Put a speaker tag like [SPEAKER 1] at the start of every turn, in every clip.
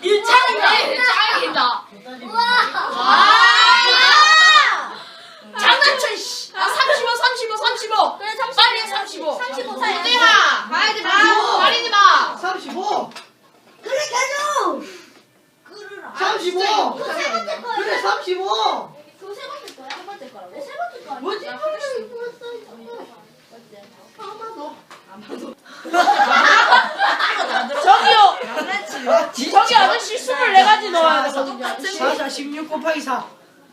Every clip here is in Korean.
[SPEAKER 1] 짱이다.
[SPEAKER 2] 우와.
[SPEAKER 1] 장난쳐 씨. 35.
[SPEAKER 2] 그래 35.
[SPEAKER 1] 빨리 35.
[SPEAKER 2] 35 사야.
[SPEAKER 1] 마. 가야지 마. 가리지 마.
[SPEAKER 3] 35.
[SPEAKER 2] 그래 계속. 끌으라.
[SPEAKER 3] 35.
[SPEAKER 2] 세 번째 거야.
[SPEAKER 3] 그래 35.
[SPEAKER 2] 그거 세 번째 거야? 세 번째 거라고? 세 번째 거 아니야?
[SPEAKER 3] 뭐지?
[SPEAKER 1] 저기요.
[SPEAKER 3] 아,
[SPEAKER 1] 저기 아저씨 24가지 넣어야 되거든요.
[SPEAKER 3] 4, 16 곱하기 4.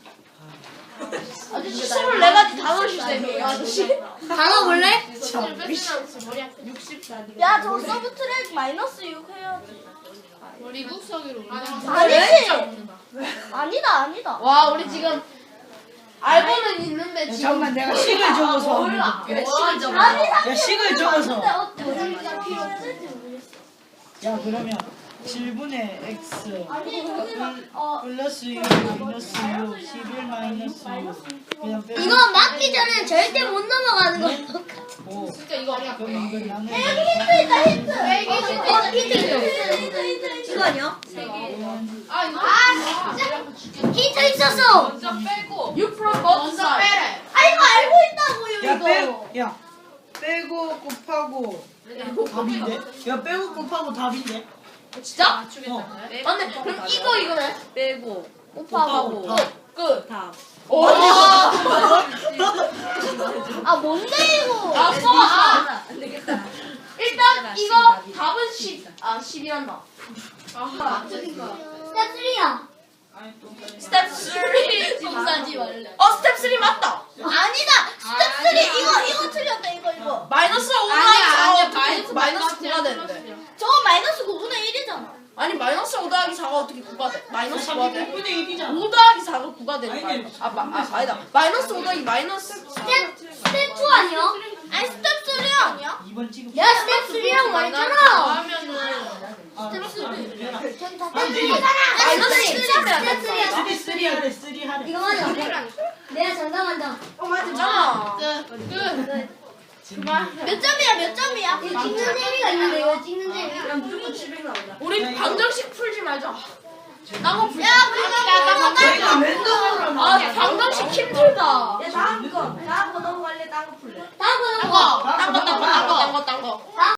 [SPEAKER 1] 아저씨 24가지 다 넣으실 셈이에요 아저씨.
[SPEAKER 2] 단어 볼래?
[SPEAKER 1] 야
[SPEAKER 2] 야, 저 서브 트랙 마이너스 6 해야지.
[SPEAKER 1] 미국석이로
[SPEAKER 2] 아니지. 아니다.
[SPEAKER 1] 와 우리 지금 알고는 있는데 지금
[SPEAKER 3] 잠깐만 내가 식을 적어서
[SPEAKER 1] 몰라.
[SPEAKER 3] 그래,
[SPEAKER 1] 식을 적어.
[SPEAKER 2] 아니
[SPEAKER 3] 야 식을 적어서.
[SPEAKER 2] 근데 어디가 필요 없을지 모르겠어.
[SPEAKER 3] 야 그러면 7분의 x
[SPEAKER 2] 아니 여기가
[SPEAKER 3] 플러스 6 마이너스 6 11 마이너스 6 그냥 빼고
[SPEAKER 2] 이거 맞기 전에 절대 못 넘어가는 거.
[SPEAKER 3] 5
[SPEAKER 1] 진짜 이거 아니야.
[SPEAKER 3] 그럼 이걸 나누면
[SPEAKER 2] 여기 힌트 있다 힌트.
[SPEAKER 1] 힌트.
[SPEAKER 2] 이거 아니야?
[SPEAKER 1] 아 이거
[SPEAKER 2] 힌트 있었어.
[SPEAKER 1] 먼저 빼고 6 플러스 먼저 빼래.
[SPEAKER 2] 아 이거 알고 있다고요
[SPEAKER 3] 야
[SPEAKER 2] 이거.
[SPEAKER 3] 빼고 곱하고 답인데? 야 빼고 곱하고 답인데?
[SPEAKER 1] 진짜?
[SPEAKER 2] 맞네. 그럼 이거네.
[SPEAKER 1] 빼고
[SPEAKER 2] 곱하고
[SPEAKER 1] 끝.
[SPEAKER 4] 답.
[SPEAKER 1] 오.
[SPEAKER 2] 아 뭔데 이거?
[SPEAKER 1] 아 써봐.
[SPEAKER 4] 안 되겠다.
[SPEAKER 1] 일단 이거 답은 10이란다.
[SPEAKER 2] 스텝 3야.
[SPEAKER 1] 스텝 3. 싸지 말래. 스텝 3 맞다.
[SPEAKER 2] 아니다. 스텝 3 이거 틀렸다 이거.
[SPEAKER 1] 마이너스 5 더하기 4가 마이너스 9가 되는데.
[SPEAKER 2] 저거 마이너스 9분의 1이잖아.
[SPEAKER 1] 아니 마이너스 5 더하기 4가 어떻게 9가 돼? 마이너스 9가 돼?
[SPEAKER 3] 3분의 1이잖아
[SPEAKER 1] 5 더하기 4가 9가 되는
[SPEAKER 3] 아니네.
[SPEAKER 1] 거야. 아니다. 마이너스 5 더하기 마이너스 4.
[SPEAKER 2] 스텝 2 아니야? 아니 스텝 3 아니야?
[SPEAKER 3] 2번 찍어
[SPEAKER 2] 내가 스텝 3라고 말했잖아.
[SPEAKER 3] 스텝 3
[SPEAKER 1] 마이너스
[SPEAKER 2] 3
[SPEAKER 1] 3
[SPEAKER 2] 스텝 3야.
[SPEAKER 3] 3 하래 3 하래
[SPEAKER 2] 이거 맞아. 내가 장담한다.
[SPEAKER 1] 맞잖아.
[SPEAKER 2] 몇 점이야? 이거 찍는 재미가 있는데 이거 찍는 재미.
[SPEAKER 1] 우리 방정식 풀지 말자. 딴거 풀자.
[SPEAKER 2] 야 우리가
[SPEAKER 3] 내가 랜덤으로
[SPEAKER 1] 아 방정식 힘들다.
[SPEAKER 4] 다음 거 넘어갈래? 딴거 풀래?
[SPEAKER 2] 다음 거
[SPEAKER 1] 딴 거.